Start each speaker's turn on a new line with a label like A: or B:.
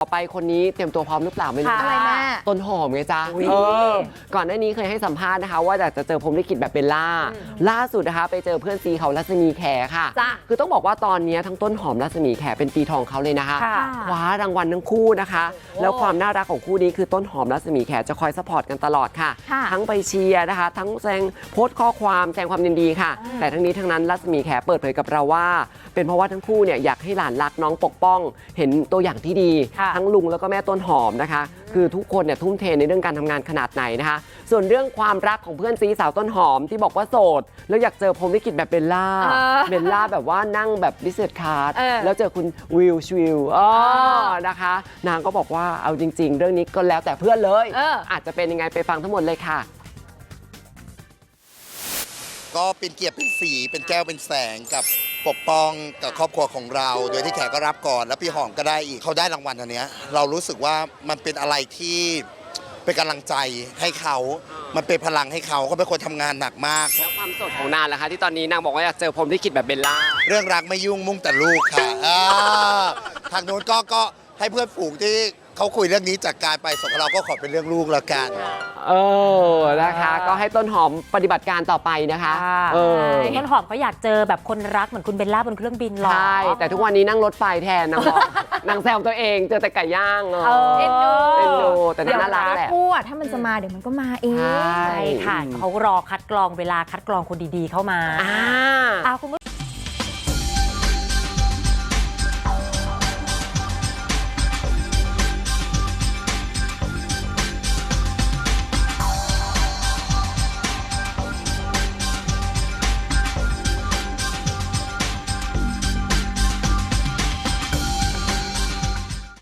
A: ไปคนนี้เตรียมตัวพร้อมหรือเปล่าไม่รู้
B: อะไรแม่
A: ต้นหอมไงจ๊ะก่อนหน้านี้เคยให้สัมภาษณ์นะคะว่าอยากจะเจอพรหมลิขิตแบบเบลล่าล่าสุดนะคะไปเจอเพื่อนซีเขารัศมีแขค่ะคือต้องบอกว่าตอนนี้ทั้งต้นหอมรัศมีแขเป็นปีทองเขาเลยนะคะคว้ารางวัลทั้งคู่นะคะแล้วความน่ารักของคู่นี้คือต้นหอมรัศมีแขจะคอยซัพพอร์ตกันตลอดค่ะทั้งไปเชียร์นะคะทั้งแสดงโพสต์ข้อความแสดงความยินดีค่ะแต่ทั้งนี้ทั้งนั้นรัศมีแขเปิดเผยกับเราว่าเป็นเพราะว่าทั้งคู่เนี่ยอยากให้หลานรักน้องปกป้องเห็นตัวอย่างที่ดีทั้งลุงแล้วก็แม่ต้นหอมนะคะคือทุกคนเนี่ยทุ่มเทในเรื่องการทำงานขนาดไหนนะคะส่วนเรื่องความรักของเพื่อนซีสาวต้นหอมที่บอกว่าโสดแล้วอยากเจอพรหมลิขิตแบบเบลล่าแบบว่านั่งแบบบิสเนสคลาสแล้วเจอคุณวิลนะคะนางก็บอกว่าเอาจริงๆเรื่องนี้ก็แล้วแต่เพื่อนเลยอาจจะเป็นยังไงไปฟังทั้งหมดเลยค่ะ
C: ก็เป็นเกียรติเป็นสีเป็นแก้วเป็นแสงกับปกป้องกับครอบครัวของเราโดยที่แขกก็รับก่อนแล้วพี่หอมก็ได้อีกเขาได้รางวัลอันเนี้ยเรารู้สึกว่ามันเป็นอะไรที่เป็นกำลังใจให้เขามันเป็นพลังให้เขาเป็นคนทำงานหนักมาก
A: แล้วความสดของนางล่ะคะที่ตอนนี้นางบอกว่าอยากเจอพรหมลิขิตแบบเบลล่า
C: เรื่องรักไม่ยุ่งมุ่งแต่ลูกค่ะทางโน้นก็ให้เพื่อนฝูงที่เขาคุยเรื่องนี้จากการไปส่วนเราก็ขอเป็นเรื่องลูกแล้วกัน
A: นะคะก็ให้ต้นหอมปฏิบัติการต่อไปนะคะ
B: ต้นหอมเขาอยากเจอแบบคนรักเหมือนคุณเบลล่าบนเครื่องบินหรอ
A: ใช่แต่ทุกวันนี้นั่งรถไฟแทนนางบอกนางแซวตัวเองเจอแต่ไก่ย่าง
B: เอ็นดู
A: แต่น่ารักแหละ
D: คู่อ่ะถ้ามันจะมาเดี๋ยวมันก็มาเอง
B: ใช่ค่ะเขารอคัดกรองเวลาคัดกรองคนดีๆเข้ามาคุณ